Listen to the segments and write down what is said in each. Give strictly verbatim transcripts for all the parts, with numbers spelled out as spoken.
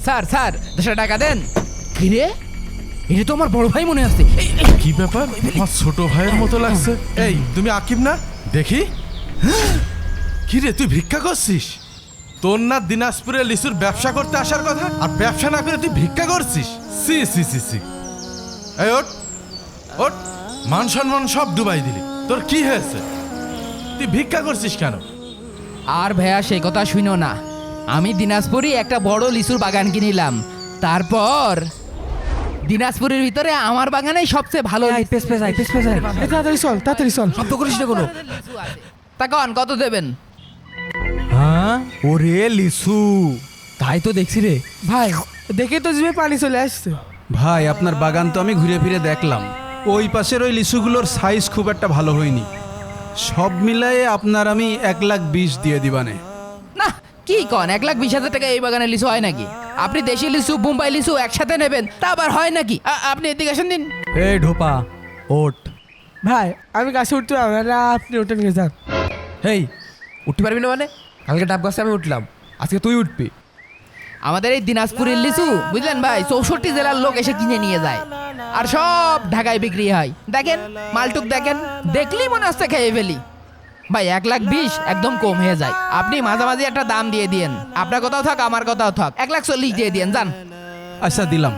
Sir sir দুশো টাকা দেন। কি রে, এটা তো আমার বড় ভাই মনে আসছে। কি ব্যাপার, আমার ছোট ভাইয়ের মতো লাগছে। এই তুমি আকিব না? দেখি। কি রে, তুই ভিক্ষা করছিস? তোর না দিনাজপুরে লিচুর ব্যবসা করতে আসার কথা, আর ব্যবসা না করে তুই ভিক্ষা করছিস? সি সি সি সি। এই ওঠ ওঠ, মান সম্মান সব ডুবাই দিলি। তোর কি হয়েছে? তুই ভিক্ষা করছিস কেন? আর ভাইয়া সেই কথা শুনো না, আমি দিনাজপুরে একটা বড় লিচুর বাগান কিনিলাম। তারপর দিনাজপুরের ভিতরে আমার বাগানে সবচেয়ে ভালো পেস পেস আই পেস পেস আই তাড়াতাড়ি চল তাড়াতাড়ি চল শব্দ করিস না কোনো। তা কন কত দেবেন? হ্যাঁ ওরে লিসু, তাই তো দেখছি রে ভাই দেখে তো জিভে পানি চলে আসছে। ভাই আপনার বাগান তো আমি ঘুরে ফিরে দেখলাম, ওই পাশের ওই লিচুগুলোর সাইজ খুব একটা ভালো হয়নি। সব মিলায়ে আপনার আমি এক লাখ বিশ দিয়ে দিবানে। না কি কন, এক লাখ বিশ হাজার টাকা এই বাগানে লিচু হয় নাকি? আপনি দেশি লিচু বোম্বাই লিচু একসাথে নেবেন, তা আবার হয় নাকি? আ- আপনি এদিকে আসেন দিন। এই ঢোপা ওঠ। ভাই আমি গাছে উঠতে পারবো না, আপনি উঠে নিয়ে যান। হেই উঠতে পারবি না মানে? কালকে ডাব গাছে আমি উঠলাম, আজকে তুই উঠবি। আমাদের এই দিনাজপুরের লিচু বুঝলেন ভাই, চৌষট্টি জেলার লোক এসে কিনে নিয়ে যায়, আর সব ঢাকায় বিক্রি হয়। দেখেন মালটুক দেখেন, দেখলেই মনে হচ্ছে খেয়ে ফেলি। ভাই এক লাখ বিশ একদম কম হয়ে যায়, আপনি মাঝামাঝি একটা দাম দিয়ে দিয়েন। আপনার কথাও থাক আমার কথাও থাক, এক লাখ চল্লিশ দিয়ে দিয়েন যান। আচ্ছা দিলাম।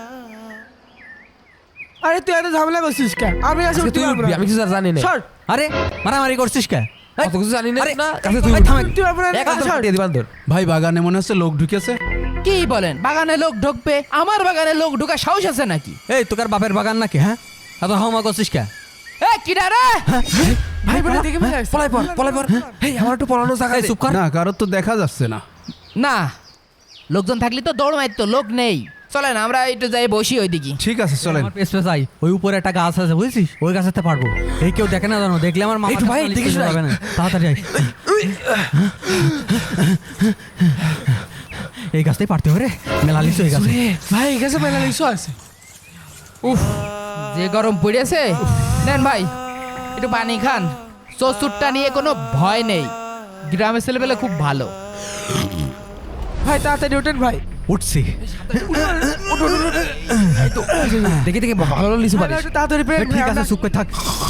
আরে তুই এত ঝামেলা করছিস কে? আমি গাছে আজকে উঠতে তুই পারবো উঠবি, না। আমি কিছু আর জানি না। সর। আরে মারামারি করছিস কে? অত কিছু জানি না আরে, না, কাছে তুই ভাই, উঠবি। থামেন, তুই পারবো না, এক হাতে সর। দিয়ে দিবান তোর। ভাই বাগানে মনে হচ্ছে লোক ঢুকেছে। কি বলেন, বাগানে লোক ঢুকবে? আমার বাগানে লোক ঢুকা সাহস আছে নাকি? এই তোকার বাপের বাগান নাকি? হ্যাঁ এত হাওমা করছিস কে? এ কিরা রে? ভাই বলে দেখে ফেলে আসছে। পলাই পর পলাই পর। এই আমার একটু পলানো জায়গা দে। চুপ কর। না কারোর তো দেখা যাচ্ছে না। না লোকজন থাকলে তো দৌড় মারতো, লোক নেই। চলেন আমরা একটু যাই বসি ওইদিকে। ঠিক আছে চলেন। আমার পেছ পেছ আই, ওই উপরে একটা গাছ আছে বুঝছিস, ওই গাছেতে পারবো। এই কেউ দেখে না জানো, দেখলে আমার মাথা একটু ভাই, দেখিস না। যাবে না। তাড়াতাড়ি আই। এই গাছটাই পারতে হবে রে, মেলা লিচু এই গাছে। ভাই এই গাছে মেলা লিচু আছে। উফ যে গরম পড়েছে। নেন ভাই একটু পানি খান, চচুরটা নিয়ে কোনো ভয় নেই, গ্রামের ছেলেবেলে খুব ভালো। ভাই তাড়াতাড়ি ওঠেন ভাই। উঠছি। দেখে দেখে ভালো ভালো লিচু ভাই, পারিস। একটু তাড়াতাড়ি পেন। ঠিক আছে চুপ করে থাক।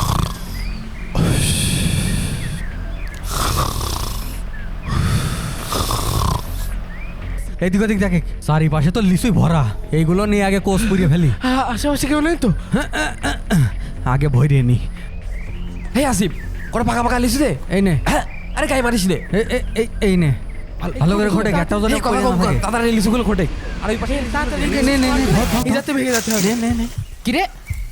এদিক ওদিক দেখে, চারিপাশে তো লিচুই ভরা। এইগুলো নিয়ে আগে কোষ পুড়িয়ে ফেলি, আশেপাশে কেউ নেই তো? আগে ভরিয়ে নি। এই আসিফ, কোনো পাকা পাকা লিচু দে। এই নে, হ্যাঁ, আরে গায়ে মারিস নে। এই- এই- এই এই নে, ভালো করে ঘটে একটাও যেন এই কথা পড়ে কম না কর, থাকে। তাড়াতাড়ি লিচুগুলো খোটে। আর ওই পাশে তাড়াতাড়ি নে, নে, নে, নে, ধর, ধর, এই যাতে ভেঙে যেতে হবে। নে, নে, নে। কিরে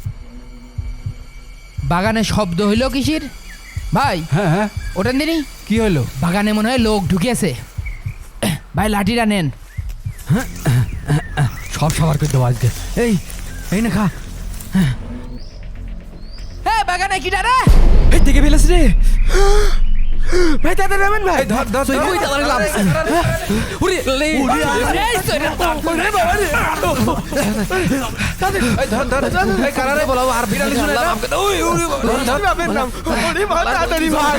বাগানে শব্দ হইলো কিসির? ভাই হ্যাঁ হ্যাঁ ওটান দিনই, কি হলো? বাগানে মনে হয় লোক ঢুকেছে। ভাই লাঠিটা নেন। সব সবার করে দেবো আজকে। এই এই না খা। হ্যাঁ বাগানে কিটা রে? এই দেখে ফেলেছি রে। ভাই তাড়াতাড়ি নামেন ভাই। ধর ধর তুই ধর। কই তাড়াতাড়ি লাভ? উড়ি লে। এই সরে বাবা। এই ধর ধর। এই কারারে বলাও আর বিড়াল লিচু না। ওই ওই ধর ধর। নামেন নাম। ওরে ভাই তাড়াতাড়ি ভাই।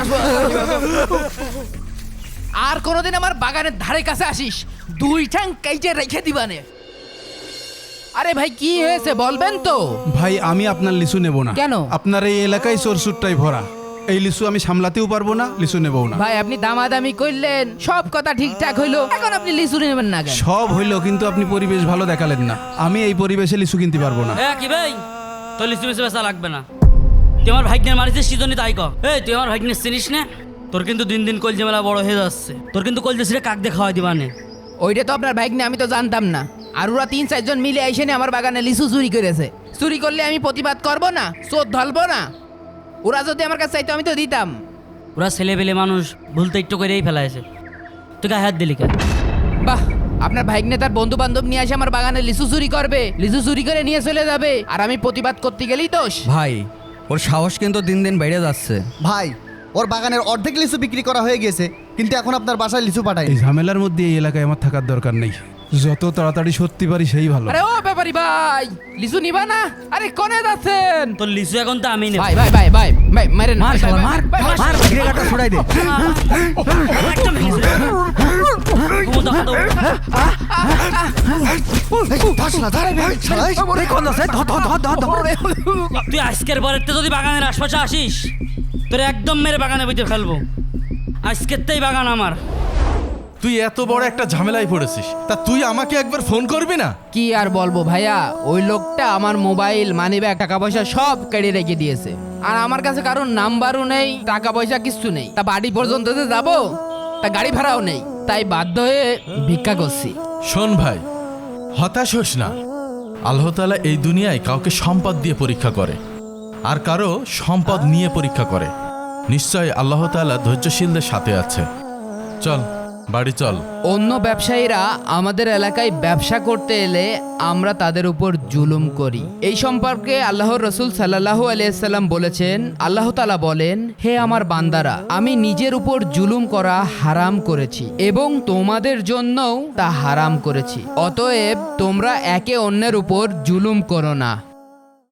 আর কোনোদিন আমার বাগানের ধারে কাছে আসিস, দুই ঠ্যাং কাইটে রেখে দিবানে। আরে ভাই কি হয়েছে বলবেন তো? ভাই আমি আপনার লিচু নেব না। কেন? আপনার এই এলাকায় চোরসুটটাই ভরা। এই লিচু আমি সামলাতেও পারবো না, লিচু নেবও না। ভাই আপনি দামাদামি করলেন, সব কথা ঠিকঠাক হইলো, এখন আপনি লিচু নেবেন না কেন? সব হইলো কিন্তু আপনি পরিবেশ ভালো দেখালেন না। আমি এই পরিবেশে লিচু কিনতে পারবো না। এ কি ভাই, তোর লিচু মিচু বেচা লাগবে না। তুই আমার ভাগ্নের মারিছিস সিজনই তাই কর। এই তুই আমার ভাগ্নের চিনিস না? তোর কিন্তু দিন দিন কলজে মেলা বড় হয়ে যাচ্ছে। তোর কিন্তু কলজে ছিঁড়ে কাক দিয়ে খাওয়াই দিবানে। ওইটা তো আপনার বাইক নিয়ে আমি তো জানতাম না। আর ওরা তিন চারজন মিলে এসে নিয়ে আমার বাগানে লিচু চুরি করেছে। চুরি করলে আমি প্রতিবাদ করব না, চোর ধরবো না? ওরা যদি আমার কাছে চাইতো আমি তো দিতাম। ওরা ছেলে পেলে মানুষ, ভুলতে একটু করেই ফেলাইছে। তুই গায়ে হাত দিলি কেন? বাহ, আপনার ভাইক নিয়ে তার বন্ধু বান্ধব নিয়ে এসে আমার বাগানে লিচু চুরি করবে, লিচু চুরি করে নিয়ে চলে যাবে, আর আমি প্রতিবাদ করতে গেলেই দোষ। ভাই ওর সাহস কিন্তু দিন দিন বেড়ে যাচ্ছে। ভাই ওর বাগানের অর্ধেক লিচু বিক্রি করা হয়ে গেছে, কিন্তু এখন আপনার বাসায় লিচু পাঠাই। এই ঝামেলার মধ্যে এই এলাকায় আমার থাকার দরকার নেই। যত তাড়াতাড়ি সত্যি পারি সেই ভালো। আরে ও ব্যাপারি ভাই, লিচু নিবা না? আরে কোনে যাচ্ছেন? তোর লিচু এখন তো আমি নেব। ভাই ভাই ভাই ভাই ভাই মারেন না, মার ভাই, শালা ভাই, মার ভাই, ভাই, মার, ঘিরে কাটা ছড়াই দে। একদম ভেঙেছে রে। ঘুমো দাও, দাও। তুই আজকের পরের যদি বাগানের আশপাশে আসিস তোর একদম মেরে বাগানে বইতে ফেলবো। আজকের তেই বাগান আমার। তুই এত বড় একটা ঝামেলায় পড়েছিস, তা তুই আমাকে একবার ফোন করবি না? কি আর বলবো ভাইয়া, ওই লোকটা আমার মোবাইল মানিব্যাগ টাকা পয়সা সব কেড়ে রেখে দিয়েছে। আর আমার কাছে কারোর নাম্বারও নেই, টাকা পয়সা কিছু নেই। তা বাড়ি পর্যন্ত যে যাবো, তা গাড়ি ভাড়াও নেই, তাই বাধ্য হয়ে ভিক্ষা করছি। শোন ভাই, হতাশ হোস না। আল্লাহ তাআলা এই দুনিয়ায় কাউকে সম্পদ দিয়ে পরীক্ষা করে, আর কারো সম্পদ নিয়ে পরীক্ষা করে। নিশ্চয় আল্লাহ তাআলা ধৈর্যশীলদের সাথে আছে। চল বাড়ি চল। অন্য ব্যবসায়ীরা আমাদের এলাকায় ব্যবসা করতে এলে আমরা তাদের উপর জুলুম করি। এই সম্পর্কে আল্লাহর রসুল সাল্লাল্লাহু আলাইহি সাল্লাম বলেছেন, আল্লাহ তাআলা বলেন, হে আমার বান্দারা, আমি নিজের উপর জুলুম করা হারাম করেছি এবং তোমাদের জন্যও তা হারাম করেছি। অতএব তোমরা একে অন্যের উপর জুলুম করো না।